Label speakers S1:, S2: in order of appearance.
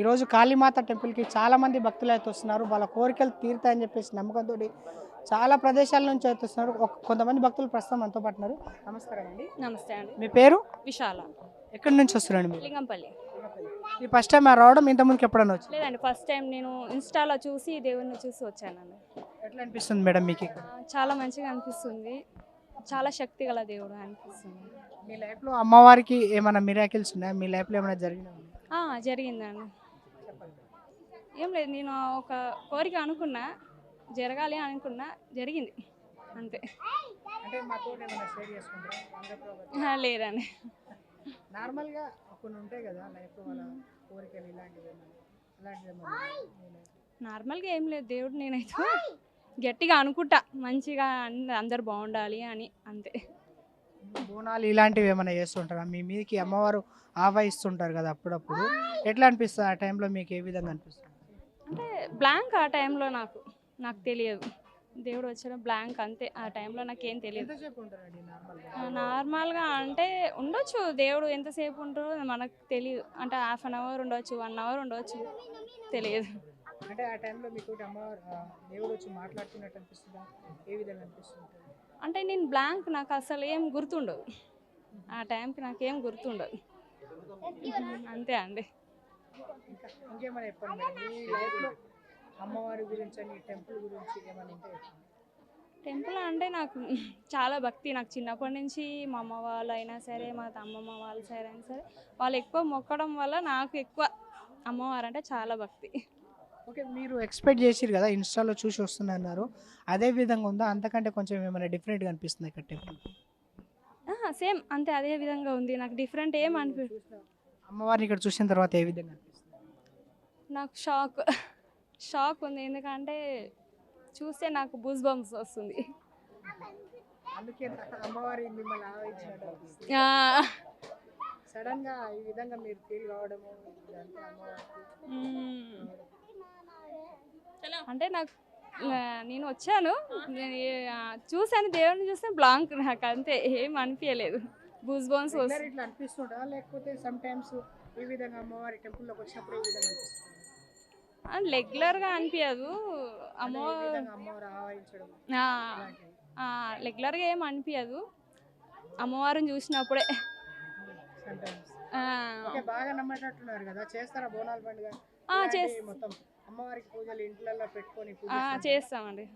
S1: ఈరోజు కాళీమాత టెంపుల్కి చాలామంది భక్తులు అయితే వస్తున్నారు. వాళ్ళ కోరికలు తీరుతాయని చెప్పేసి నమ్మకంతో చాలా ప్రదేశాల నుంచి అయితే వస్తున్నారు. కొంతమంది భక్తులు ప్రస్తుతం మనతో పాటు ఉన్నారు. నమస్కారం అండి.
S2: నమస్తే అండి.
S1: మీ పేరు?
S2: విశాల.
S1: ఎక్కడి నుంచి వస్తున్నారండి మీరు?
S2: లింగంపల్లి.
S1: ఈ ఫస్ట్ టైం రావడం, ఇంతకుముందుకు ఎప్పుడన్నా వచ్చి?
S2: లేదండి, ఫస్ట్ టైం నేను ఇన్స్టాలో చూసి దేవుడిని చూసి వచ్చానండి.
S1: ఎట్లా అనిపిస్తుంది మేడం మీకు ఇక్కడ?
S2: చాలా మంచిగా అనిపిస్తుంది. చాలా శక్తి గల దేవుడు అనిపిస్తుంది.
S1: మీ లైఫ్లో అమ్మవారికి ఏమైనా మిరాకిల్స్ ఉన్నాయా? మీ లైఫ్లో ఏమైనా జరిగినా?
S2: జరిగిందండి. ఏం లేదు, నేను ఒక కోరిక అనుకున్నా, జరగాలి అనుకున్నా, జరిగింది అంతే.
S1: అంటే మాతో ఏమైనా షేర్ చేసుకుంటారా?
S2: లేదండి.
S1: నార్మల్గా కొన్ని ఉంటాయి కదా లైఫ్లో వాళ్ళ కోరికలు ఇలాంటివి
S2: నార్మల్గా ఏం లేదు, దేవుడు నేనైతే గట్టిగా అనుకుంటా మంచిగా అందరు బాగుండాలి అని, అంతే.
S1: బోనాలు ఇలాంటివి ఏమైనా చేస్తుంటారా? మీ మీదకి అమ్మవారు ఆవాహిస్తుంటారు కదా అప్పుడప్పుడు, ఎట్లా అనిపిస్తుంది ఆ టైంలో? మీకు ఏ విధంగా అనిపిస్తుంది?
S2: అంటే బ్లాంక్ ఆ టైంలో నాకు తెలియదు. దేవుడు వచ్చిన బ్లాంక్ అంతే. ఆ టైంలో నాకేం తెలియదు.
S1: ఎంతసేపు ఉంటారండి
S2: నార్మల్గా అంటే ఉండొచ్చు, దేవుడు ఎంతసేపు ఉంటారో మనకు తెలియదు. అంటే హాఫ్ అన్ అవర్ ఉండొచ్చు, 1 అవర్ ఉండొచ్చు, తెలియదు.
S1: అంటే ఆ టైంలో మీకు అమ్మవారు దేవుడు వచ్చి మాట్లాడుతున్నట్టు అనిపిస్తుందా? ఏ విధంగా అనిపిస్తుంది?
S2: అంటే నేను బ్లాంక్, నాకు అసలు ఏం గుర్తుండదు. ఆ టైంకి నాకేం గుర్తుండదు, అంతే అండి.
S1: ఇంకేమైనా చెప్పండి మేడం, మీ లైఫ్లో అమ్మవారి గురించి అని, టెంపుల్ గురించి ఏమైనా ఉంటే చెప్పండి.
S2: టెంపుల్ అంటే నాకు చాలా భక్తి. నాకు చిన్నప్పటి నుంచి మా అమ్మ వాళ్ళు అయినా సరే, మా అమ్మమ్మ వాళ్ళ సైడ్ అయినా సరే, వాళ్ళు ఎక్కువ మొక్కడం వల్ల నాకు ఎక్కువ అమ్మవారు అంటే చాలా భక్తి.
S1: ఓకే, మీరు ఎక్స్పెక్ట్ చేసిరు కదా, ఇన్స్టాలో చూసి వస్తున్నారు, అదే విధంగా ఉందా? అంతకంటే కొంచెం ఏమైనా డిఫరెంట్గా అనిపిస్తుంది ఇక్కడ టెంపుల్?
S2: సేమ్ అంతే, అదే విధంగా ఉంది. నాకు డిఫరెంట్ ఏం
S1: అమ్మవారిని ఇక్కడ చూసిన తర్వాత ఏ విధంగా అనిపిస్తుంది?
S2: నాకు షాక్ ఉంది. ఎందుకంటే చూస్తే నాకు బూస్ బంప్స్ వస్తుంది.
S1: అందుకే అమ్మవారి మిమ్మల్ని ఆవహించినట్టు అనిపిస్తుంది. సడన్ గా ఈ విధంగా మీరు ఫీల్ కావడము
S2: అంటే నాకు నేను వచ్చాను, చూసాను దేవుడిని చూస్తే బ్లాంక్, నాకు అంతే, ఏం అనిపించలేదు. బూస్ బంప్స్ వస్తుంది.
S1: ఇట్లా అనిపిస్తుంటా, లేకపోతే సమ్ టైమ్స్ ఈ విధంగా అమ్మవారి టెంపుల్లోకి వచ్చినప్పుడు ఈ విధంగా అనిపిస్తుంది?
S2: రెగ్యులర్గా అనిపించదు.
S1: అమ్మవారు ఆవహించడం
S2: రెగ్యులర్గా ఏం అనిపించదు, అమ్మవారిని చూసినప్పుడే.
S1: బాగా నమ్మేటట్టున్నారు కదా, చేస్తారా బోనాల పండుగ? మొత్తం అమ్మవారికి పూజలు ఇంట్లో పెట్టుకొని
S2: చేస్తామండి.